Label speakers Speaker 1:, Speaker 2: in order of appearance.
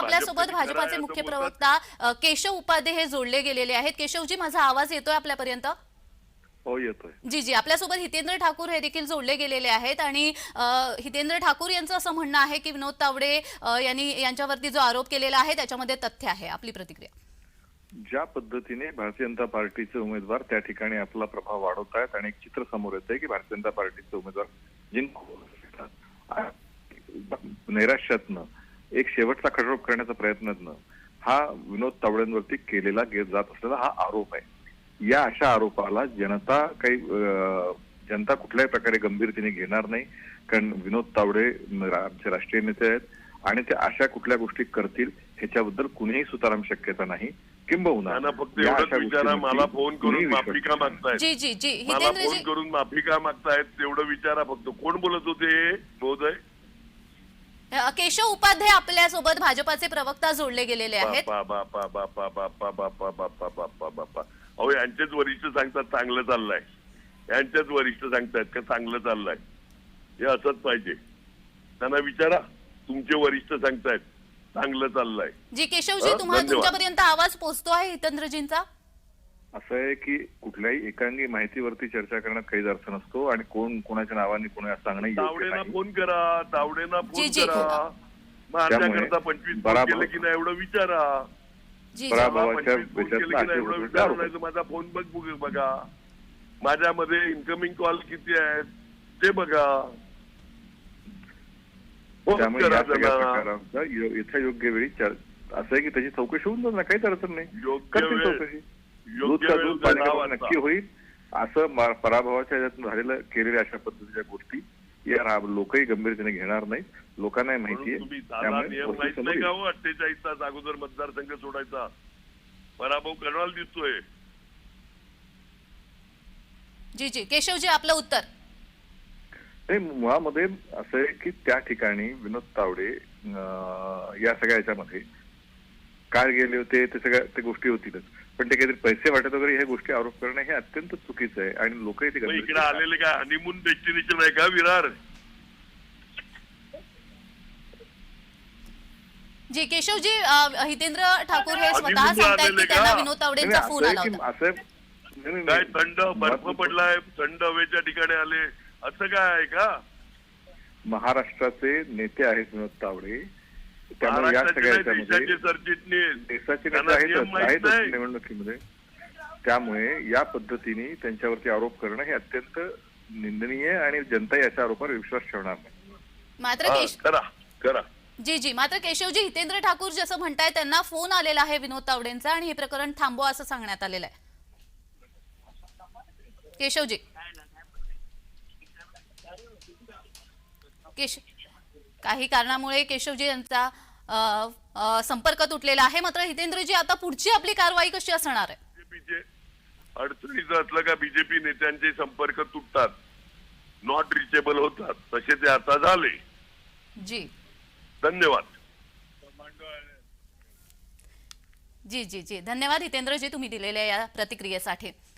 Speaker 1: आपल्यासोबत भाजपाचे मुख्य प्रवक्ता केशव उपाध्ये हे जोडले गेलेले आहेत. केशवजी, माझा आवाज येतोय आपल्यापर्यंत?
Speaker 2: हो, येतोय.
Speaker 1: जी जी, आपल्यासोबत हितेंद्र ठाकूर हे देखील जोडले गेलेले आहेत आणि हितेंद्र ठाकूर यांचं असं म्हणणं आहे की विनोद तावडे यांच्यावरती जो आरोप केलेला आहे त्याच्यामध्ये तथ्य आहे. आपली प्रतिक्रिया?
Speaker 2: ज्या पद्धतीने भारतीय जनता पार्टीचे उमेदवार त्या ठिकाणी आपला प्रभाव वाढवत आहेत आणि एक चित्र समोर येत आहे की भारतीय जनता पार्टीचे उमेदवार नैराश्यातनं एक शेवटचा खडरोप करण्याचा प्रयत्नातनं हा विनोद तावडेंवरती केलेला जात असलेला हा आरोप आहे. या अशा आरोपाला जनता कुठल्याही प्रकारे गंभीरतेने घेणार नाही, कारण विनोद तावडे आमचे राष्ट्रीय नेते आहेत आणि ते अशा कुठल्या गोष्टी करतील ह्याच्याबद्दल कुणीही सुताराम शक्यता नाही. किंबहुना
Speaker 3: फक्त एवढंच विचारा, मला फोन करून माफी का मागतायत?
Speaker 1: जी जी जी,
Speaker 3: मला फोन करून माफी का मागतायत तेवढं विचारा फक्त. कोण बोलत होते महोदय?
Speaker 1: केशव उपाध्ये आपल्यासोबत भाजपाचे प्रवक्ता जोडले गेलेले आहेत.
Speaker 3: अहो, यांचेच वरिष्ठ सांगतात चांगलं चाललंय. यांचेच वरिष्ठ सांगतायत का चांगलं चाललंय. हे असंच पाहिजे. त्यांना विचारा, तुमचे वरिष्ठ सांगतायत चांगलं चाललंय.
Speaker 1: जी केशवजी, तुमच्यापर्यंत आवाज पोहोचतो आहे हितेंद्रजींचा?
Speaker 2: असं आहे की कुठल्याही एकांगी माहितीवरती चर्चा करण्यात काहीच अर्थ नसतो आणि कोण कोणाच्या नावाने कोणी असं सांगणं योग्य
Speaker 3: तावडेंना
Speaker 2: नाही.
Speaker 3: फोन करा, तावडेंना फोन करा. मग आमच्याकरता 25 फोन केले की नाही एवढं विचारा.
Speaker 2: पराभवाच्या
Speaker 3: माझा फोन बघा, माझ्यामध्ये इन्कमिंग कॉल किती आहेत ते बघा.
Speaker 2: त्यामुळे या सगळ्या प्रकारांचा इथं योग्य वेळी असं आहे की त्याची चौकशी होऊन जाणार, काहीच अडचण नाही. करतील चौकशी. नक्की होईल. असं पराभवाच्या ह्याच्यातून झालेलं केलेल्या अशा पद्धतीच्या गोष्टी या लोकही गंभीरतेने घेणार नाहीत. लोकांनाही माहितीये.
Speaker 3: नियम माहित नाही का हो? 48 तास अगोदर मतदारसंघ सोडायचा. पराभव करणार दिसतोय.
Speaker 1: जी जी, केशवजी आपलं उत्तर?
Speaker 2: नाही, मुळामध्ये असं आहे की त्या ठिकाणी विनोद तावडे या सगळ्या ह्याच्यामध्ये काय गेले होते ते सगळ्या त्या गोष्टी होतीलच, पण ते काहीतरी पैसे वाटत वगैरे ह्या गोष्टी आरोप करणं हे अत्यंत चुकीचं आहे आणि लोकही ते
Speaker 3: इकडे आलेले काय हनीमून डेस्टिनेशन आहे का विरार?
Speaker 1: जी केशवजी, हितेंद्र ठाकूर हे स्वतः सांगतायत की त्यांना विनोद तावडेंचा फोन आला होता.
Speaker 3: काय थंड बर्फ पडलाय, थंड हवेच्या ठिकाणी आले असं काय आहे का?
Speaker 2: महाराष्ट्राचे नेते आहेत विनोद तावडे, त्यामुळे या सगळ्या देशाचे नेते आहेत निवडणुकीमध्ये. त्यामुळे या पद्धतीने त्यांच्यावरती आरोप करणं हे अत्यंत निंदनीय आणि जनता याच्या आरोपावर विश्वास ठेवणार नाही.
Speaker 1: मात्र
Speaker 3: करा
Speaker 1: जी जी, मात्र केशवजी, हितेंद्र ठाकूर जसं म्हणताय त्यांना फोन आलेला आहे विनोद तावडेंचा आणि हे प्रकरण थांबवा असं सांगण्यात आलेलं आहे. केशवजी, काही कारणामुळे केशवजी यांचा संपर्क तुटलेला आहे. मात्र हितेंद्रजी, आता पुढची आपली कारवाई कशी असणार आहे?
Speaker 3: बीजेपीचे अडचणीचं असलं का बीजेपी नेत्यांचे संपर्क तुटतात, नॉट रिचेबल होतात, तसे ते आता झाले.
Speaker 1: जी
Speaker 3: धन्यवाद.
Speaker 1: जी जी जी, धन्यवाद हितेंद्रजी तुम्ही दिलेल्या या प्रतिक्रियेसाठी.